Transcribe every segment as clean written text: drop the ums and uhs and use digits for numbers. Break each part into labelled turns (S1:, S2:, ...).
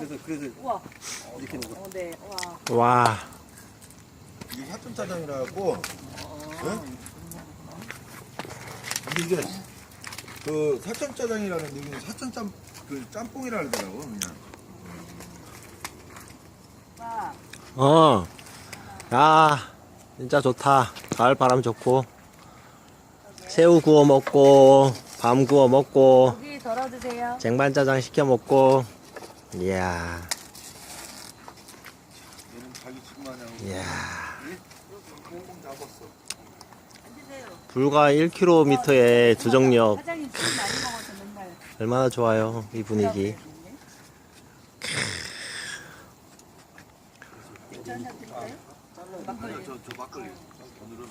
S1: 그래서
S2: 우와.
S1: 이렇게 먹어.
S2: 네. 와.
S3: 와.
S4: 이게 사천짜장이라고. 응? 근데 이게 그 사천짜장이라는 얘기는 사천짬 그 짬뽕이라 그러더라고 그냥.
S2: 와.
S3: 어. 야, 진짜 좋다. 가을 바람 좋고. 새우 구워 먹고, 밤 구워 먹고,
S2: 고기 덜어 드세요.
S3: 쟁반짜장 시켜 먹고. 이야.
S4: 얘는 자기 집 마냥
S3: 이야.
S4: 꽁꽁 잡았어.
S3: 불과 1km의 두정역.
S2: 사장님 술 많이 먹어서 맨날.
S3: 얼마나 좋아요, 이 분위기.
S2: 한잔 드릴까요? 막걸리.
S4: 저 막걸리. 오늘은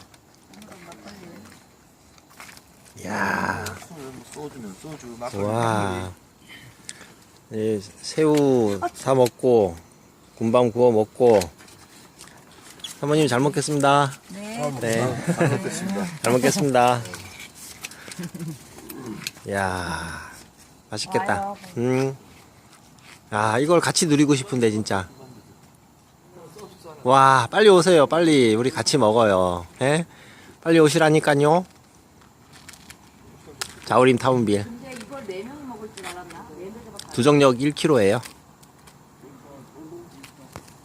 S3: 이야.
S4: 소주면 소주 막걸리.
S3: 와. 예, 새우 사 먹고, 군밤 구워 먹고. 사모님 잘 먹겠습니다.
S2: 네.
S3: 네.
S4: 잘 먹겠습니다.
S3: 잘 먹겠습니다. 이야, 맛있겠다. 아, 이걸 같이 누리고 싶은데, 진짜. 와, 빨리 오세요, 빨리. 우리 같이 먹어요. 예? 빨리 오시라니까요. 자우림 타운빌.
S2: 근데 이걸 4명이 먹을 줄 알았나? 4명이
S3: 두정역 1km예요.